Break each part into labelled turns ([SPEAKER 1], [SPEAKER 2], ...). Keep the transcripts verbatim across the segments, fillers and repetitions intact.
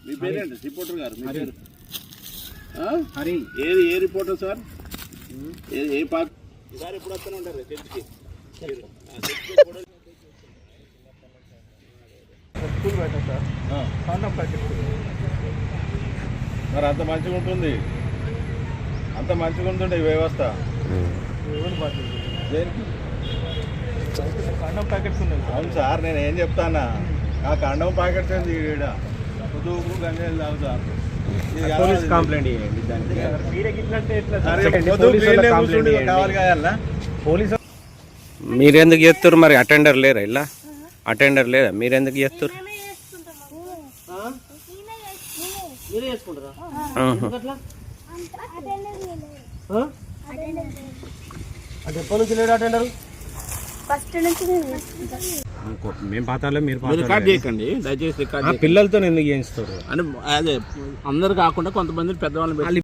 [SPEAKER 1] మీ పేరేంటి రిపోర్టర్ గారు? మీ పేరు
[SPEAKER 2] హరి.
[SPEAKER 1] ఏ ఏ రిపోర్టర్ సార్? ఏ ఏ పార్టీ సార్? ఎప్పుడు వస్తూనే ఉంటారు చర్చికి?
[SPEAKER 2] స్కూల్ పెట్టా సార్. కాండం ప్యాకెట్.
[SPEAKER 1] మరి అంత మంచిగా ఉంటుంది, అంత మంచిగా ఉంటుండే ఈ వ్యవస్థ.
[SPEAKER 2] ఎవరు బాధ్యత?
[SPEAKER 1] దేనికి?
[SPEAKER 2] కాండం ప్యాకెట్స్ ఉన్నాయి.
[SPEAKER 1] అవును సార్, నేను ఏం చెప్తానా, ఆ కండం ప్యాకెట్స్ ఏంది ఈడ పొద్దుకు గంజాయిలు తాగుతా.
[SPEAKER 2] పోలీస్ కంప్లైంట్ చేయండి దానికి. మీరే గిట్లంటే ఎట్లా?
[SPEAKER 1] కావాలి కాయాలా?
[SPEAKER 2] పోలీసు
[SPEAKER 3] మీరెందుకు చేస్తారు మరి? అటెండర్ లేరా ఇలా? అటెండర్ లేదా? మీరెందుకు చేస్తారు?
[SPEAKER 2] మీరే చేసుకుంటారా? అంటే ఎప్పటి నుంచి లేడు అటెండర్?
[SPEAKER 4] ఫస్ట్ నుంచి
[SPEAKER 3] మేము పాతాలో మీరు
[SPEAKER 1] రికార్డ్ చేయకండి దయచేసి. రికార్డ్
[SPEAKER 3] పిల్లలతో ఎందుకు చేయిస్తారు
[SPEAKER 1] అని అదే అందరు కాకుండా కొంతమంది పెద్దవాళ్ళని పెట్టి.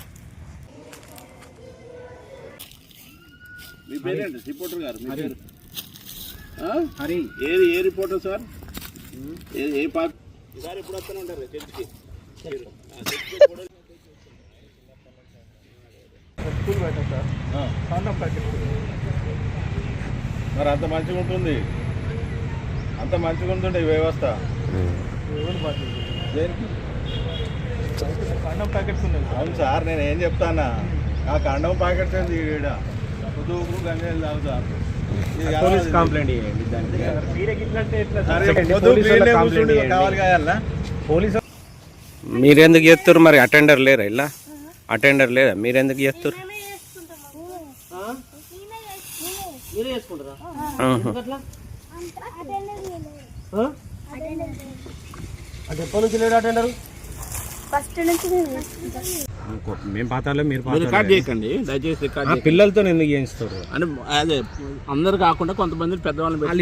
[SPEAKER 1] మీ పేరేంటి రిపోర్టర్ గారు? మీ పేరు
[SPEAKER 2] హరి.
[SPEAKER 1] ఏ ఏ రిపోర్టర్ సార్? ఏ ఏ పార్టీ సార్? ఎప్పుడు వస్తూనే ఉంటారు చర్చికి?
[SPEAKER 2] స్కూల్ పెట్టా సార్. కాండం ప్యాకెట్.
[SPEAKER 1] మరి అంత మంచిగా ఉంటుంది, అంత మంచిగా ఉంటుండే ఈ వ్యవస్థ.
[SPEAKER 2] ఎవరు బాధ్యత?
[SPEAKER 1] దేనికి?
[SPEAKER 2] కాండం ప్యాకెట్స్ ఉన్నాయి.
[SPEAKER 1] అవును సార్, నేను ఏం చెప్తానా, ఆ కండం ప్యాకెట్స్ ఏంది ఈడ పొద్దుకు గంజాయిలు తాగుతా.
[SPEAKER 2] పోలీస్ కంప్లైంట్ చేయండి దానికి. మీరే గిట్లంటే ఎట్లా?
[SPEAKER 1] కావాలి కాయాలా?
[SPEAKER 2] పోలీసు
[SPEAKER 3] మీరెందుకు చేస్తారు మరి? అటెండర్ లేరా ఇలా? అటెండర్ లేదా? మీరెందుకు చేస్తారు?
[SPEAKER 2] మీరే చేసుకుంటారా? అంటే ఎప్పటి నుంచి లేడు అటెండర్?
[SPEAKER 4] ఫస్ట్ నుంచి
[SPEAKER 3] మేము పాతాలో మీరు
[SPEAKER 1] రికార్డ్ చేయకండి దయచేసి. రికార్డ్
[SPEAKER 3] పిల్లలతో ఎందుకు చేయిస్తారు
[SPEAKER 1] అని అదే అందరు కాకుండా కొంతమంది పెద్దవాళ్ళని పెట్టి.